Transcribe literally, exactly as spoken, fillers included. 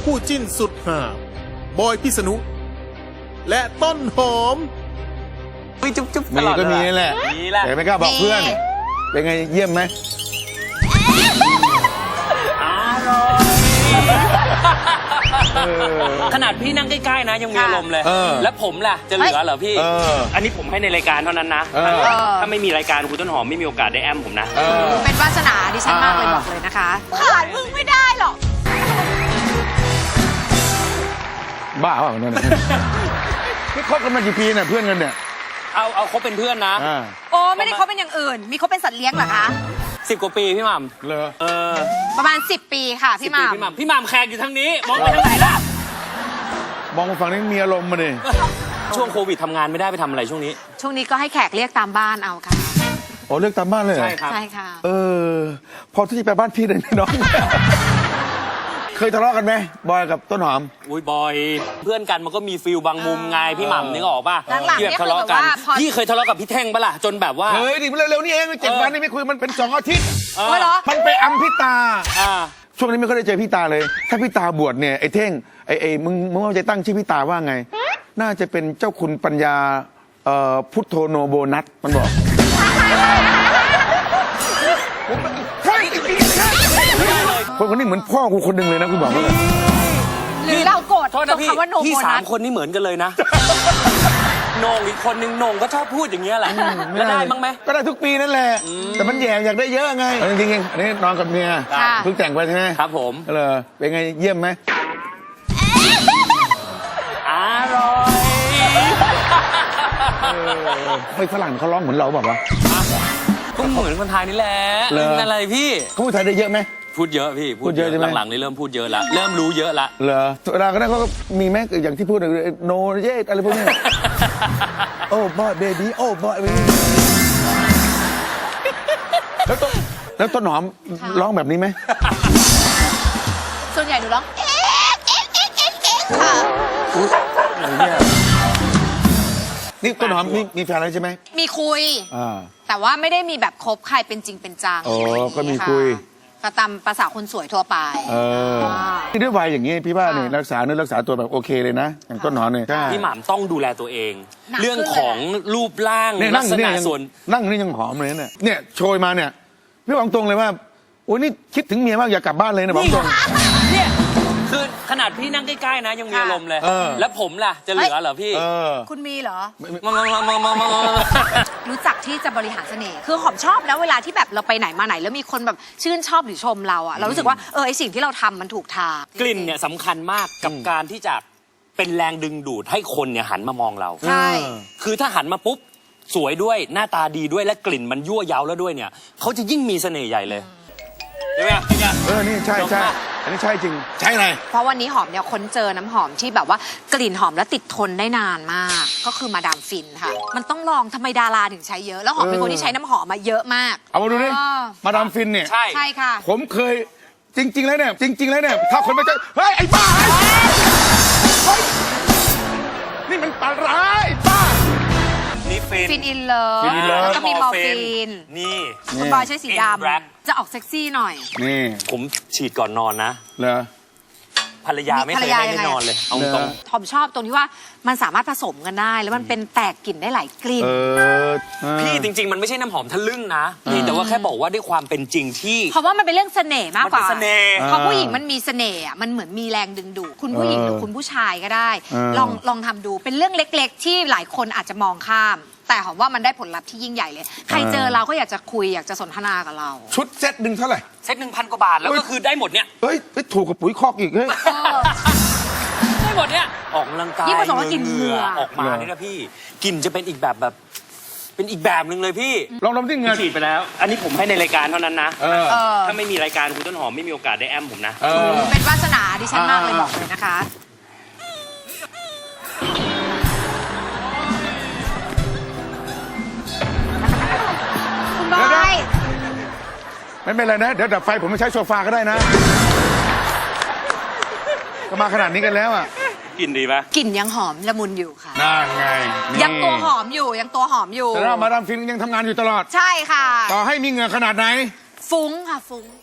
คู่จิ้นสุดห่าบอยพิษณุและต้นหอมมีจุ๊บจุ๊บมีก็มีนี่แหละมีแหละแต่ไม่กล้าบอกเพื่อน เป็นไงเยี่ยมไหมขนาดพี่นั่งใกล้ๆนะยังมีอารมณ์เลย แล้วผมล่ะจะเหลือเหรอพี่ อันนี้ผมให้ในรายการเท่านั้นนะ ถ้าไม่มีรายการคุณต้นหอมไม่มีโอกาสได้แอมผมนะเป็นวาสนาดิฉันมากเลยบอกเลยนะคะขาดมึงไม่ได้หรอกบ้าเปล่าเนี่ยนี่คบกันมากี่ปีเนี่ยเพื่อนกันเนี่ยเอาเอาเขาเป็นเพื่อนนะโอ้ไม่ได้เขาเป็นอย่างอื่น มีเขาเป็นสัตว์เลี้ยงเหรอคะสิบกว่าปีพี่หม่ำเหรอเออประมาณสิบปีค่ะพี่หม่พี่หม่ำพี่หม่ำแขกอยู่ทางนี้ มองไปทางไหนล่ะมองมาฝั่งนี้มีอารมณ์มาดิช่วงโควิดทำงานไม่ได้ไปทำอะไรช่วงนี้ำช่วงนี้ก็ให้แขกเรียกตามบ้านเอาค่ะโอ้เลือกตามบ้านเลยเหรอใช่ครับใช่ค่ะเออ พอที่จะไปบ้านพี่เลยน้อง เคยทะเลาะกันไหมบอยกับต้นหอมอุ้ยบอยเพื่อนกันมันก็มีฟิลบางมุมไงพี่หม่ำนึกออกป่ะหลังๆที่แบบทะเลาะกันเนี่ยคือแบบว่าพอพี่เคยทะเลาะกับพี่แท่งปะล่ะจนแบบว่าเฮ้ยดิเร็วๆนี่เองเจ็ดวันนี่ไม่คุยมันเป็นสองอาทิตย์เออโอ้ยเหรอมันไปอัมพิตาอ่าช่วงนี้ไม่ค่อยได้เจอพี่ตาเลย ถ้าพี่ตาบวชเนี่ยไอ้เท่งไอ้ไอ้มึงมึงว่าจะตั้งชื่อพี่ตาว่าไง น่าจะเป็นเจ้าคุณปัญญาเอ่อพุทโธโนโบนัสมันบอกใช่จริงๆใช่คนคนนี้เหมือนพ่อกูคนหนึ่งเลยนะกูบอกเลยหรือเราโกรธโทษตรนะงพี่คำว่าโนพี่โบสานัมสคนนี่เหมือนกันเลยนะโหนงอีกคนนึงโหนงก็ชอบพูดอย่างเงี้ยแหละแล้วได้มั้งไหมก็ได้ทุกปีนั่นแหละ แต่มันแย่อยากได้เยอะไงจริงๆอันนี้นอนกับเมียค่ะเพิ่งแต่งไปใช่ไหมครับผมเหรอเป็นไงเยี่ยมไหมอร่อยไม่ฝรั่งเขาร้องเหมือนเราบอกว่าวะก็เหมือนคนไทยนี่แหละเหรออะไรพี่เขาพูดไทยได้เยอะไหมพูดเยอะพี่พูดเยอะใช่ไหมหลังๆนี่เริ่มพูดเยอะละเริ่มรู้เยอะละเหรอเวลาก็ได้เขาก็มีไหมอย่างที่พูดโนเยสอะไรพวกนี้ โอ้บอยเบบี้โอ้บอยแล้วต้นแล้วต้นหอมร้องแบบนี้ไหมส่วนใหญ่หนูร้องเอ๊ะเอ๊ะเอ๊ะเอ๊ะเอ๊ะค่ะนี่ต้นหอมมีมีแฟนแล้วใช่ไหมมีคุยอ่าแต่ว่าไม่ได้มีแบบคบใครเป็นจริงเป็นจังโอ้ก็มีคุยก็ตามภาษาคนสวยทั่วไปเออที่ด้วยวัยอย่างนี้พี่ว่าเนี่ยรักษาเนื้อรักษาตัวแบบโอเคเลยนะอย่างต้นหอมเนี่ยพี่หม่ำต้องดูแลตัวเองหนักขึ้นเรื่องของรูปร่างเนี่ยลันั่กงษอยู่ณะเนี่ยยังส่วนนั่งอยู่นี่ยังหอมเลยเนี่ยเนี่ยโชยมาเนี่ยพี่บอกตรงเลยว่าโอ้ยนี่คิดถึงเมียมากอยากกลับบ้านเลยนะบอกตรงเนี่ยคือขนาดพี่นั่งใกล้ๆนะยังมีอารมณ์เลยเออแล้วผมล่ะจะเหลือเหรอพี่เออคุณมีเหรอมามามามามามามารู้จักที่จะบริหารเสน่ห์ คือหอมชอบนะเวลาที่แบบเราไปไหนมาไหน แล้วมีคนแบบชื่นชอบหรือชมเราอะเรารู้สึกว่าเออไอสิ่งที่เราทำมันถูกทางกลิ่นเนี่ยสำคัญมากกับการที่จะเป็นแรงดึงดูดให้คนเนี่ยหันมามองเราใช่คือถ้าหันมาปุ๊บสวยด้วยหน้าตาดีด้วยและกลิ่นมันยั่วเย้าแล้วด้วยเนี่ยเขาจะยิ่งมีเสน่ห์ใหญ่เลยใช่ไหมพี่เนี่ยเออนี่ใช่ใช่อันนี้ใช่จริงใช่อะไรเพราะวันนี้หอมเนี่ยค้นเจอน้ำหอมที่แบบว่ากลิ่นหอมและติดทนได้นานมาก ก็คือมาดามฟินค่ะ มันต้องลองทำไมดาราถึงใช้เยอะ แล้วหอมเป็นคนที่ใช้น้ำหอมมาเยอะมากเอามาดูดิอ๋อมาดามฟินเนี่ยใช่ใช่ค่ะผมเคยจริง ๆ แล้วเนี่ยจริง ๆ แล้วเนี่ยถ้าคนไม่เจอเฮ้ยไอ้บ้าเฮ้ยนี่มันปลาร้ายไอ้บ้านี่ฟินฟินอินเลิฟฟินอินเลิฟแล้วก็มีมอร์ฟีนนี่คุณบอยใช้สีด In Black ำจะออกเซ็กซี่หน่อยนี่ผมฉีดก่อนนอนนะเหรอภรรยาไม่เคยให้ได้นอนเลยเอาตรงหอมชอบตรงที่ว่ามันสามารถผสมกันได้ แล้วมันเป็นแตกกลิ่นได้หลายกลิ่นเออพี่จริง ๆ มันไม่ใช่น้ำหอมทะลึ่งนะพี่แต่ว่าแค่บอกว่าด้วยความเป็นจริงที่เพราะว่ามันเป็นเรื่องเสน่ห์มากกว่ามันเป็นเสน่ห์เพราะผู้หญิงมันมีเสน่ห์อะมันเหมือนมีแรงดึงดูดคุณผู้หญิงหรือคุณผู้ชายก็ได้ ลองลองทำดูเป็นเรื่องเล็ก ๆ ที่หลายคนอาจจะมองข้าม แต่หอมว่ามันได้ผลลัพธ์ที่ยิ่งใหญ่เลย ใครเจอเราก็อยากจะคุยอยากจะสนทนากับเราชุดเซ็ตหนึ่งเท่าไหร่เซ็ตหนึ่งพันกว่าบาทแล้วก็คือได้หมดเนี่ยเฮ้ยไปถูกกับปุ๋ยคอกอีกเฮ้ยได้หมดเนี่ยออกกำลังกายยิ่งผสมกับกลิ่นเหงื่อออกมาเนี่ยนะพี่กลิ่นจะเป็นอีกแบบแบบ เป็นอีกแบบหนึ่งเลยพี่ลองดมที่เงินฉีดไปแล้ว อันนี้ผมให้ในรายการเท่านั้นนะเออเออถ้าไม่มีรายการคุณต้นหอมไม่มีโอกาสได้แอมผมนะเออเป็นวาสนาดิฉันมากเลยบอกเลยนะคะ คุณบอยไม่เป็นไรนะ เดี๋ยวดับไฟผมไม่ใช้โซฟาก็ได้นะ ก็มาขนาดนี้กันแล้วอ่ะกลิ่นดีปะกลิ่นยังหอมละมุนอยู่ค่ะนั่นไงนี่ยังตัวหอมอยู่ยังตัวหอมอยู่แต่ว่ามาดามฟินยังทำงานอยู่ตลอดใช่ค่ะต่อให้มีเหงื่อขนาดไหนฟุ้งค่ะฟุ้ง